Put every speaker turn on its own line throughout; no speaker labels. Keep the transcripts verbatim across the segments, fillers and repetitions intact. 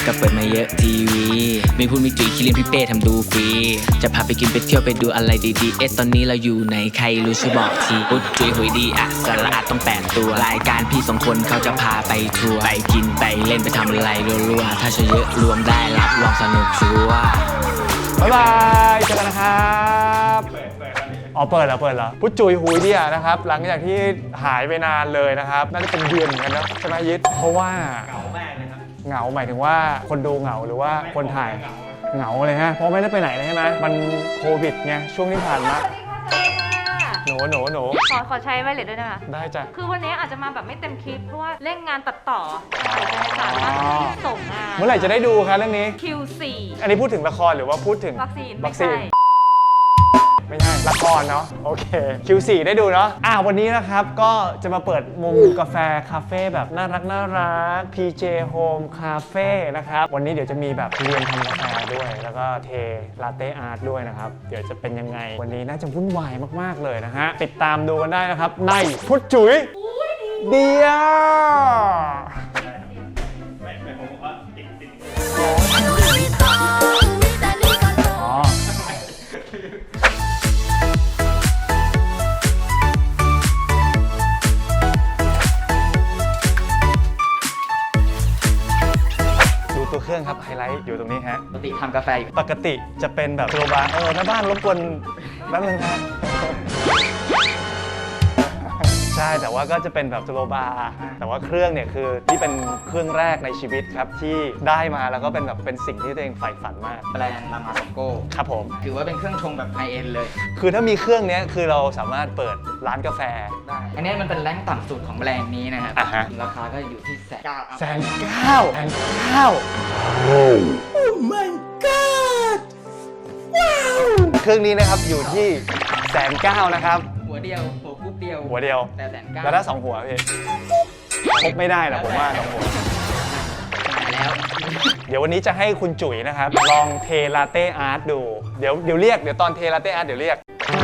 ก็เปิดมาเยอะทีวีมีพูดมีจุยคิรินพี่เป้ทำดูฟรีจะพาไปกินไปเที่ยวไปดูอะไรดีๆเอ๊ะตอนนี้เราอยู่ไหนใครรู้ช่วยบอกทีพูดจุยหุยดีอ่ะสาระอาจต้องแปดตัวรายการพี่สองคนเขาจะพาไปทัวร์ไปกินไปเล่นไปทำอะไรรัวๆถ้าเชเยอะรวมได้รับรองสนุกชัวร์
บ๊ายบายเจอกันนะครับอ๋อเปิดแล้วเปิดแล้วพุทธจุยหุยดีอ่ะนะครับหลังจากที่หายไปนานเลยนะครับน่าจะเป็นเดือนเหมือนกันนะใช่ไหมยิทเพราะว่าเหงามากเลยครับเหงาหมายถึงว่าคนดูเหงาหรือว่าคนถ่ายเหงาเลยฮะเพราะไม่ได้ไปไหนเลยใช่ไหมมันโควิดไงช่วงที่ผ่านมาหนูหนูหนู
ขอขอใช้ไวเลสด้วยนะคะ
ได้จ้ะ
คือวันนี้อาจจะมาแบบไม่เต็มคลิปเพราะว่าเร่งงานตัดต่อสามารถส่งงาน
เมื่อไหร่จะได้ดูครับเรื่องนี้
คิว โฟร์
อันนี้พูดถึงละครหรือว่าพูดถึง
วัคซีน
วัคซีนไม่ใช่ละครเนาะโอเค คิว โฟร์ ได้ดูเนาะอ่ะวันนี้นะครับก็จะมาเปิดมุมกาแฟคาเฟ่แบบน่ารักน่ารัก พี เจ Home Cafe นะครับวันนี้เดี๋ยวจะมีแบบเรียนทำกาแฟด้วยแล้วก็เทลาเต้อาร์ตด้วยนะครับเดี๋ยวจะเป็นยังไงวันนี้น่าจะวุ่นวายมากๆเลยนะฮะติดตามดูกันได้นะครับในพุทธจุ๋ยเดียวตัวเครื่องครับไฮไลท์อยู่ตรงนี้ฮะ
ปกติทำกาแฟอยู่
ปกติจะเป็นแบบโรบาร์เออแม่บ้านรบกวนแป๊บนึงครับใช่แต่ว่าก็จะเป็นแบบสโลบาร์แต่ว่าเครื่องเนี่ยคือที่เป็นเครื่องแรกในชีวิตครับที่ได้มาแล้วก็เป็นแบบเป็นสิ่งที่ตัวเองใฝ่ฝันมาก
แบรนด์รามาซองโก้
ครับผม
ถือว่าเป็นเครื่องชงแบบไฮเอ็นเลย
คือถ้ามีเครื่องนี้คือเราสามารถเปิดร้านกาแฟ
ได้อันนี้มันเป็นแรงต่ำสุดของแบรนด์นี้นะครับราคาก็อยู่ที่แสนเก้า
แสนเก้าแสนเก้าโอ้ my god ว้าวเครื่องนี้นะครับอยู่ที่แสนเก้านะครับ
หัวเดียวหัวกุ๊บเดียว
หัวเดียว
แต่แสนเก้า
แล้วถ้าสองหัวพี่ครบไม่ได้หรอกผมว่าสองหัว
แล้ว
เดี๋ยววันนี้จะให้คุณจุ๋ยนะครับลองเทลาเต้อาร์ตดูเดี๋ยวเดี๋ยวเรียกเดี๋ยวตอนเทลาเต้อาร์ตเดี๋ยวเรียก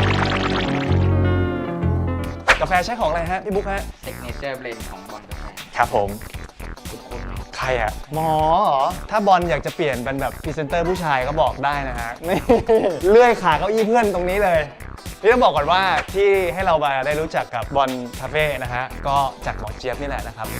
กาแฟใช้ของอะไรฮะพี่บุ๊คฮะ
Signature Blend ของบอลกาแฟ
ครับผมใครอะหมอเหรอถ้าบอลอยากจะเปลี่ยนเป็นแบบพรีเซนเตอร์ผู้ชายก็บอกได้นะฮะนี่เลื่อยขาเก้าอี้เพื่อนตรงนี้เลยนี่ต้องบอกก่อนว่าที่ให้เรามาได้รู้จักกับบอลคาเฟ่นะฮะก็จากหมอเจี๊ยบนี่แหละนะครับ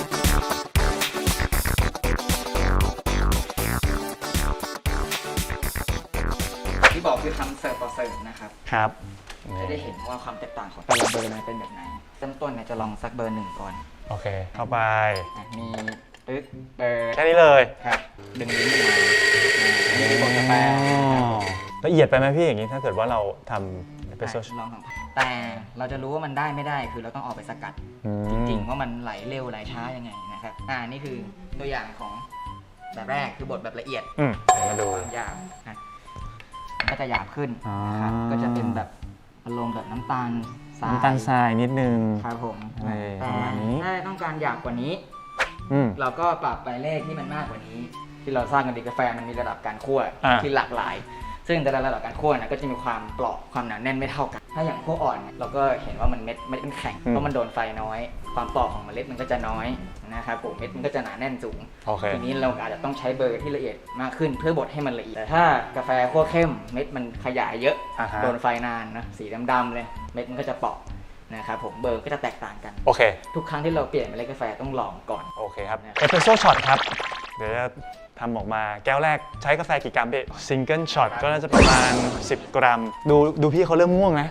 ที่บอกคือทำเสิร์ฟต่อเสิร์ฟนะครับ
ครับ
จะได้เห็นว่าความแตกต่างของแต่ละเบอร์มันเป็นแบบไหนเริ่มต้นเนี่ยจะลองสักเบอร์หนึ่งก่อน
โอเคเข้าไป
มีปึ๊กเบอร์
แค่นี้เลย
ครับดึงลิ้นมาอันนี้คือบดกาแฟ
ละเอียดไปไหมพี่อย่างนี้ถ้าเกิดว่าเราทำเอสเปรสโซ่
ลองทำแต่เราจะรู้ว่ามันได้ไม่ได้คือเราต้องออกไปสกัดจริงๆว่ามันไหลเร็วไหลช้ายังไงนะครับอ่านี่คือตัวอย่างของแบบแรกคือบดแบบละเอียด
อืมมาดู
หยาบนะก็จะหยาบขึ้นนะครับก็จะเป็นแบบอารมณ์แบบน้ำตาลทราย
น้ำตาลทรายนิดนึง
ครับผม
แต่
ถ้าต้องการหยาบกว่านี้เราก็ปรับไปเลขที่มันมากกว่านี้ที่เราสร้างกันดีกาแฟมันมีระดับการคั่วที่หลากหลายซึ่งแต่ละระดับการคั่วนะก็จะมีความเปราะความหนาแน่นไม่เท่ากันถ้าอย่างคั่วอ่อนเราก็เห็นว่ามันเม็ดเม็ดมันแข็งเพราะมันโดนไฟน้อยความเปราะของเมล็ดมันก็จะน้อยนะครับผมเม็ดมันก็จะหนาแน่นสูงทีนี้เราอาจจะต้องใช้เบอร์ที่ละเอียดมากขึ้นเพื่อบดให้มันละเอียดแต่ถ้ากาแฟคั่วเข้มเม็ดมันขยายเยอะโดนไฟนานนะสีดำๆเลยเม็ดมันก็จะเปราะนะครับผมเบอร์ก็จะแตกต่างกัน
โอเค
ทุกครั้งที่เราเปลี่ยนเมล็ดกาแฟต้องลองก่อน
โอเคครับเอสเปรสโซ่ช็อตครับเดี๋ยวจะทำออกมาแก้วแรกใช้กาแฟกี่กรัมพี่ซิงเกิลช็อตก็น่าจะประมาณสิบกรัมดูดูพี่เขาเริ่มง่วงนะ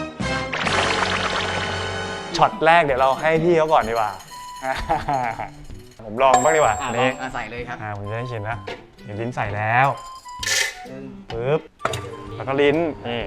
ช็อตแรกเดี๋ยวเราให้พี่เขาก่อนดีกว่าผมลองบ้างดีกว่า
อันนี้ใส่เลยครับ
ผมจะได้ชิมนะเดี๋ยวลิ้นใส่แล้วปึ๊บแล้วก็ลิ้นนี่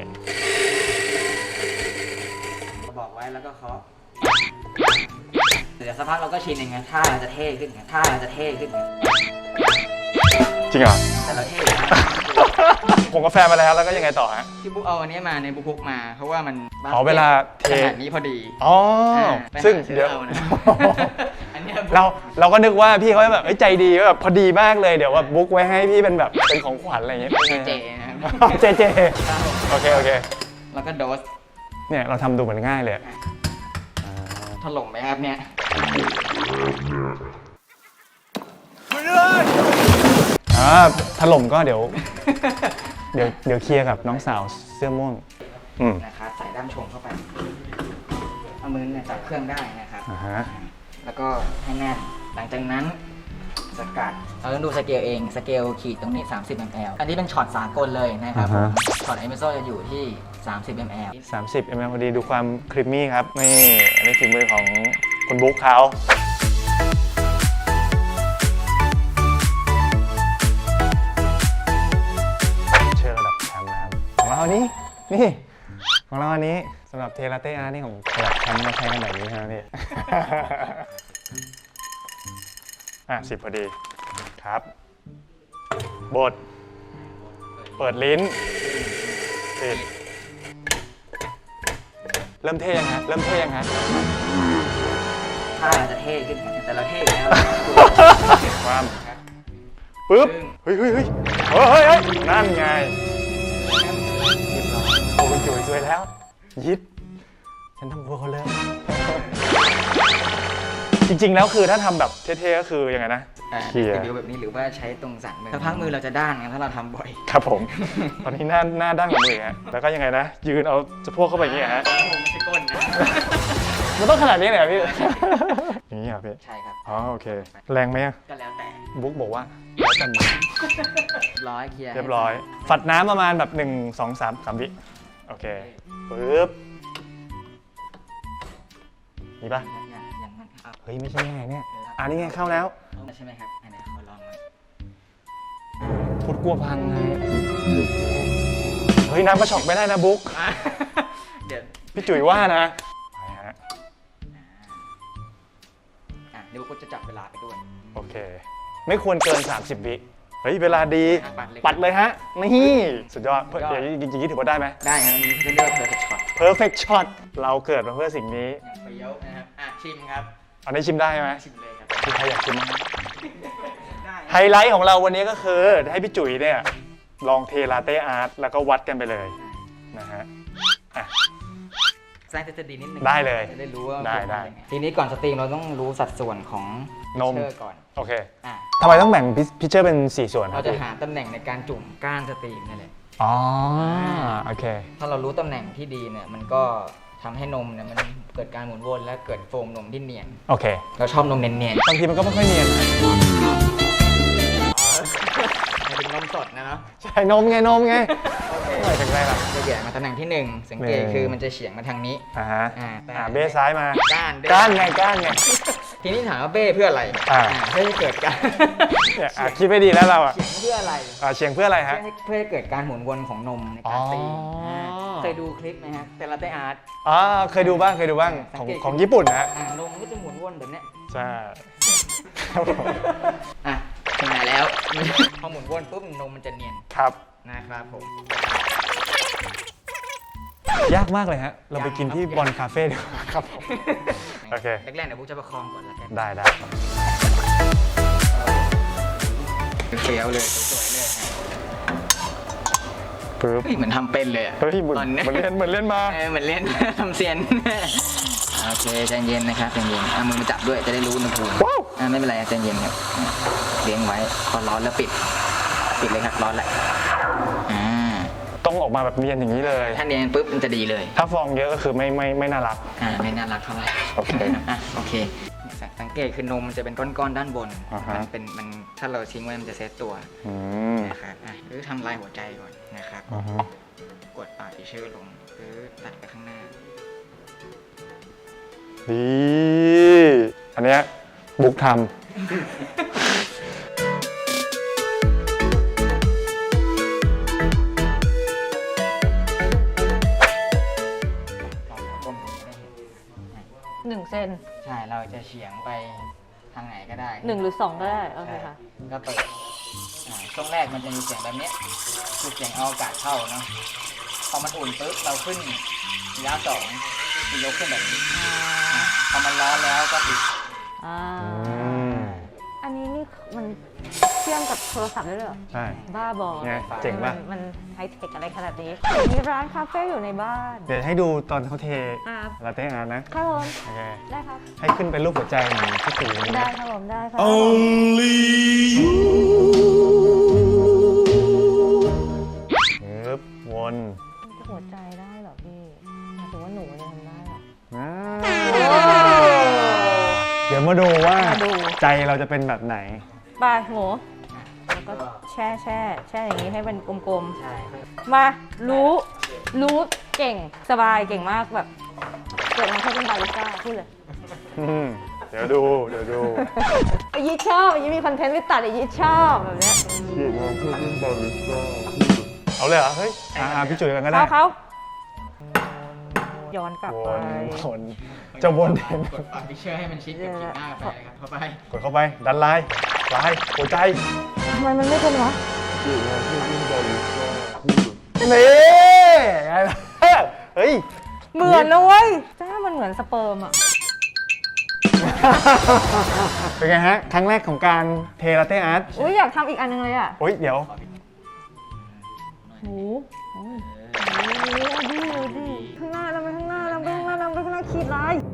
บอกไว้แล้วก็เคาะเดี๋ยวสักพักเราก็ชินเองไงท่าเราจะเท่ขึ้นไงท่าเราจะเท่ขึ้นไง
จริงเหรอ
แต่เราเท่
ผมกาแฟมาแล้วแล้วก็ยังไงต่อฮะ
พี่บุ๊กเอาอันนี้มาในบุ๊กมาเพราะว่ามัน
ขอเวลาเท
ขนาดนี้พอดี
อ๋อซึ่งเดี๋ยวเราเราก็นึกว่าพี่เขาแบบใจดีแบบพอดีมากเลยเดี๋ยวว่าบุ๊กไว้ให้พี่เป็นแบบเป็นของขวัญอะไรอย่างเงี้ย
เจเจ
เจเจโอเคโอเค
แล้วก็โดส
เนี่ยเราทำดูเหมือนง่ายเลย
ถล่มไหมครับเนี่ย
เพื่อนอ่าถล่มก็เดี๋ยว เดี๋ยวเดี๋ยวเคลียร์กับน้องสาวเสื้อม่วงอืม
นะครับใส่ด้ามชงเข้าไปเอามือเนี่ยจับเครื่องได้นะครับ
อ่าฮะ
แล้วก็ให้แน่นหลังจากนั้นสกัดเราต้องดูสเกลเองสเกลขีดตรงนี้สามสิบมิลลิลิตร อันนี้เป็นช็อตสากลเลยนะครับผมช็อตเอเมโซจะอยู่ที่สามสิบมิลลิลิตร
สามสิบมลพอดีดูความครีมมี่ครับนี่อันนี้ฝีมือของคุณบุ๊กเขาเชื่อระดับแชมป์นะครับของเราอันนี้นี่ของเราอันนี้สำหรับเทลาเต้อาร์นี่ของระดับแชมป์มาใช้กันแบบนี้ใช่ไหมพี่ อ่ะสิบพอดีครับบดเปิดลิ้นปิดเริ่มเท่ยังฮะเริ่มเท่ยังฮะ
ถ้าเราจะเท่ขึ้นแต่เราเท่อยู่แล้ว
ความปึ๊บเฮ้ยเฮ้ยเฮ้ยเฮ้ยเฮ้ยนั่นไงโอ้คุณจุ๋ยสวยแล้วยิดฉันทำบัวเขาเลย จริงๆแล้วคือถ้าทำแบบเท่ๆก็คือยังไงนะ
เขี่ยรีวิวแบบนี้หรือว่าใช้ตรงสันมือถ้าพักมือเราจะด้านไงถ้าเราทำบ่อย
ครับผม ตอนนี้หน้าหน้าด้านกับมือฮะแล้วก็ยังไงนะยืนเอาสะโพกเข้าไปอย่างเงี้ยฮะ
ไม่ใช่ก้นนะ
มันต้องขนาดนี้เลยเหรอพี่ อย่างนี้เหรอพี่
ใช่ครับ
อ๋อโอเคแรงไหมอะ
ก็แล้วแต่
บุ๊กบอกว่าแล้วแต่มือ
ร้อยเคลียร์
เรียบร้อย ฝัดน้ำประมาณแบบหนึ่งสองสามสามวิโอเคปึ๊บนี่ปะ
อย่างอย่างนั้นครับ
เฮ้ยไม่ใช่ยังไงเนี่ยอันนี้ไงเข้าแล้ว
ใช่ไหมครับอันไหนขอลองหน่อย
พุดกลัวพังไงเฮ้ยน้ำกระชอกไม่ได้นะบุ๊ก
เดี๋ยว
พี่จุ๋ยว่านะไปฮะ
อ่ะเดี๋ยวกูจะจับเวลาไปด้วย
โอเค ไม่ควรเกินสามสิบวิเฮ้ยเวลาดี
ปัดเลย
ปัดเลยฮะนี่สุดยอดเพื่อเดี๋ยวจริงๆถือว่าได้ไหม
ได้ครับอันนี้เรียกว่า perfect shot
perfect shot เราเกิดมาเพื่อสิ่งนี้
อย่างเปรี้ยวนะครับอ่ะชิมครับ
อันนี้ชิมได้ไหม
ชิมเลยครับ
มีใครอยากชิมไหม
ได้
ไฮไลท์ของเราวันนี้ก็คือให้พี่จุ๋ยเนี่ยลองเทลาเต้อาร์ตแล้วก็วัดกันไปเลยนะฮะอ่ะ
แซงจะดีนิดนึง
ได้เลย
จะได้รู้ว่า
ได้ได้
เป็นยังงทีนี้ก่อนสตรีมเราต้องรู้สัดส่วนของ
นม
เชอร์ก่อน
โอเค
อ่ะ
ทำไมต้องแบ่งพิเชอร์เป็นสี่ส่วนค
เรา
รับ
จะ
พี่
หาตำแหน่งในการจุ่มก้านสตรีมนี่แหละ
อ๋อโอเค
ถ้าเรารู้ตำแหน่งที่ดีเนี่ยมันก็ทำให้นมเนี่ยมันเกิดการหมุนวนและเกิดโฟมนมที่เนียน
โอเค
เราชอบนมเนียน
บางทีมันก็ไม่ค่อยเนียนนะ
ๆมันเป็นนมสดนะเนาะ
ใช่นมไงนมไงเมื่อไหร่จะได้ล่ะ
จะแย่มาตำแหน่งที่หนึ่งสังเกต
หนึ่ง
คือมันจะเฉียงมาทางนี้
อ่าฮะ
อ่าแต่
อ่าเบ้ซ้ายมา
ก้านเบ้
ก้านไงก้านไง
ทีนี้ถามว่าเบ้เพื่ออะไร
อ่า
อ่าเพื่อให้เกิดการ
เนี่ยอ่ะคิดไม่ดีแล้วเราอ่ะ
เฉียงเพื่ออะไร
อ่าเชียงเพื่ออะไร
เพื่
ฮะ
อให้เพื่อให้เกิดการหมุนวนของนมในการตี
อ๋ออ่
าเคยดูคลิปไหมฮะเตลาเตอาร์ต
อ๋อเคยดูบ้างเคยดูบ้างของ
สังเกต
ของญี่ปุ่นนะฮะ
อ่านมก็จะหมุนวนแบบเนี้ย
ใช่ครับผม
อ่ะถึงไหนแล้ว พอหมุนวนปุ๊บนมมันจะเนียน
ครับ
นะครับผม
ยากมากเลยฮะ เราไปกินที่
ยากครับ
บอลคาเฟ่ดีกว่าครับผมโอเค
แรกๆเดี๋ยวบุ๊กจะประคองก่อนแล้วกัน
ได้ได้
เฟี้ยวเลยสวยๆเลยนะ
ปึ๊บ
เฮ้ยเหมือนทำเป็นเลยอะ
เฮ้ยเหมือน
ตอน
เห
เนี้ย
มือนเล่นเหมือนเล่นมา
เออเหมือนเล่น ทำเซียน โอเคใจเย็นนะครับใจเย็นเอามือมาจับด้วยจะได้รู้อุณหภูมิ
ว้าว
อ่าไม่เป็นไรใจเย็นครับเลี้ยงไว้พอร้อนแล้วปิด ปิดเลยครับร้อนแหละอ่า
ต้องออกมาแบบเนียนอย่างนี้เลย
ถ้าเนียนปุ๊บมันจะดีเลย
ถ้าฟองเยอะก็คือไม่ไม่ไม่น่ารัก
อ่าไม่น่ารักเท่าไหร่
โอเค
อ่ะโอเคสังเกตคือนมมันจะเป็นก้อนๆด้านบน
อ่าฮะ
มันเป็นมันถ้าเราทิ้งไว้มันจะเซตตัว
อืม
นะครับอ่ะหรือทำลายหัวใจก่อนนะครับ
อือฮึ
กดปากทิชชู่ลงหรือตัดไปข้างหน้า
ดีอันเนี้ยบุ๊กท
หนึ่งเซน
ใช่เราจะเฉียงไปทางไหนก็ได้
หนึ่งหรือสองก็ได้ โอเคค่ะ
ก็เปิดอ่าช่วงแรกมันจะมีเสียงแบบเนี้ยคือเสียงเอาอากาศเข้าเนาะพอมันอุ่นปุ๊บเราขึ้นระยะสองคือยกขึ้นแบบนี้อ่าพอมันร้อนแล้วก็ปิด
อ่า
ำอืม
อันนี้นี่มันเชื่อมกับโทรศัพท์ได้เลยเหรอ
ใช่
บ้าบอ
ไงเจ๋งป่ะ
มันมันไฮเทคอะไรขนาดนี้ มีร้านคาเฟ่อยู่ในบ้าน
เดี๋ยวให้ดูตอนเขาเท
ครับ
ลาเต้อาร์ตนะ
ครับผม
โอเค
ได้ครับ
ให้ขึ้นเป็นรูปหัวใจเหมือนที่ตีนี้
ได้ครับผมได้ครับ
Only you
วน
หัวใจได้เหรอพี่หมายถึงว่าหนูจะทำได้เหรอ
อ่าเดี๋ยวมาดูว่า
มาดู
ใจเราจะเป็นแบบไหน
ไปหมูแล้วก็แช่แช่แช่อย่างนี้ให้เป็นกลม
ใช่
ๆ มารู้รู้เก่งสบายเก่งมากแบบเกิดมาเพื่อเป็นบาริสต้าพูดเลย
อืมเดี๋ยวดู เดี๋ยวดู
ไอ้ยี่ชอบไอ้ยี่มีคอนเทนต์ไม่ตัดไอ้ยี่ชอบแบบเนี้ย
เอาเลยเหรอ เฮ้ย อ่าพี่จุ๋ยกันก็ได้
เขาเขาย้อนกลับ
ว
ไป
นวนจะวนเห็น
กดปรับพิเชอร์ให้มันชิดกับขีดหน้ากาแฟครับเข้าไป
กดเข้าไป ดันไลน์ไลน์หัวใจ
ทำไมมันไม่เป็นวะ
นี่ไงล่ะเฮ้ย
เหมือนนะเว้ยจ้ามันเหมือนสเปิร์มอ่ะ
เป็นไงฮะ ครั้งแรกของการเทลาเต้อาร์ต
อุ้ยอยากทำอีกอันนึงเลยอ่ะ
โอ้ยเดี๋ยว
หมูโอ้ยโอ้ยดีดีข้างหน้าเราไปข้างหน้าเราไปข้างหน้าเราไปข้างหน้าขีดลาย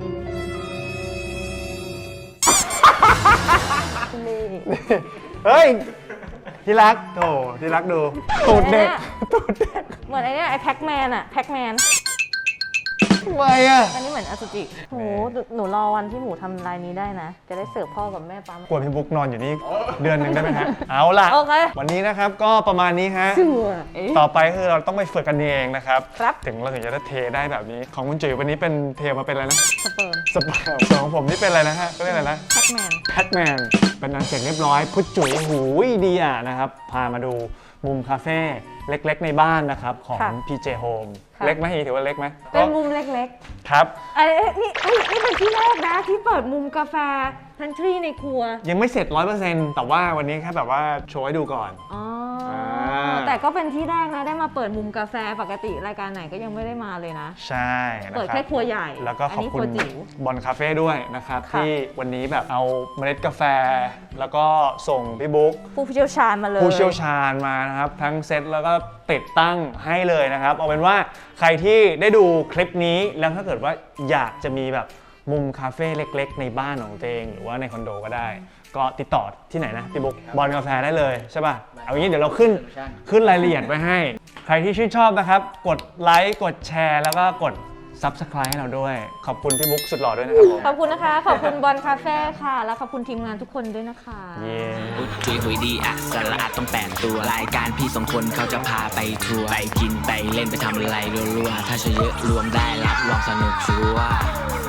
นี่
เฮ้ย ที่รักโถที่รักดูตูดเด็กตูดเด็ก
เหมือนไอ้เนี่ยไอ้แพ็กแมนอะแพ็กแมน
ทำไมอ่ะ
อันนี้เหมือนอสุจิโหหนูรอวันที่หมูทำลายนี้ได้นะ จะได้เสิร์ฟพ่อกับแม่ปั๊ม
กวนพี่บุ๊กนอนอยู่นี่เดือนหนึ่งได้ไหมฮะ เอาล่ะ
โอเค
วันนี้นะครับก็ประมาณนี้ฮะ
สวย
ต่อไปคือเราต้องไปฝึกกันเองนะครับ
ครับ
ถึงเราถึงจะได้เทได้แบบนี้ ของคุณจุ๋ยวันนี้เป็นเทมาเป็นอะไรนะ
สเปิร์ม
สปาส่วนของผมนี่เป็นอะไรนะฮะก็เรียกอะไรนะ
แพ็กแมน
แพทแมนเป็นอันเสร็จเรียบร้อยพุทธจุ๋ยหูยดีอ่ะนะครับ พามาดูมุมคาเฟ่เล็กๆในบ้านนะครับ ของ พี เจ Home เล็กไหมฮีถือว่าเล็กไหม
เป็นมุมเล็ก
ครับ
ๆไอ้นี่เอ้ยนี่เป็นที่แรกนะที่เปิดมุมกาแฟพันทรีในครัว
ยังไม่เสร็จ ร้อยเปอร์เซ็นต์ แต่ว่าวันนี้แค่แบบว่าโชว์ให้ดูก่อน
อ๋อ
อ่า
แต่ก็เป็นที่แรกนะได้มาเปิดมุมกาแฟปกติรายการไหนก็ยังไม่ได้มาเลยนะ
ใช่นะ
เปิด
ครั
แค่
บ
ครัวใหญ่
แล้วก็ขอบ
นนี้
คุ
ครั
ณ
วจิ๋ว
บอลคาเฟ่ด้วยนะครับ
ค่ะ
ที่วันนี้แบบเอาเมล็ดกาแฟ แล้วก็ส่งพี่บุ๊ก
ผู้เชี่ยวชาญมาเลย
ผู้เชี่ยวชาญมานะครับ ทั้งเซตแล้วก็ติดตั้งให้เลยนะครับ เอาเป็นว่าใครที่ได้ดูคลิปนี้แล้วถ้าเกิดว่าอยากจะมีแบบมุมคาเฟ่เล็กๆ ในบ้านของตัวเองหรือว่าในคอนโดก็ได้ ก็ติดต่อที่ไหนนะพี่บุ๊กบอลกาแฟได้เลยใช่ป่ะเอางี้เดี๋ยวเราขึ้นขึ้นรายละเอียดไว้ให้ ใครที่ชื่นชอบนะครับ กดไลค์กดแชร์แล้วก็กด Subscribe ให้เราด้วย ขอบคุณพี่บุ๊กสุดหล่อด้วยนะครับผม
ขอบคุณนะคะ ขอบคุณบอลคาเฟ่ค่ะ แล้วขอบคุณทีมงานทุกคนด้วยนะคะ
เย้
พุทธจุยหุยดีอะสาระอาจต้องแปดตัว รายการพี่สองคนเขาจะพาไปทัวร์ไปกินไปเล่นไปทำอะไรรัวๆ ถ้าใช่เยอะรวมได้รับรองสนุกชัวร์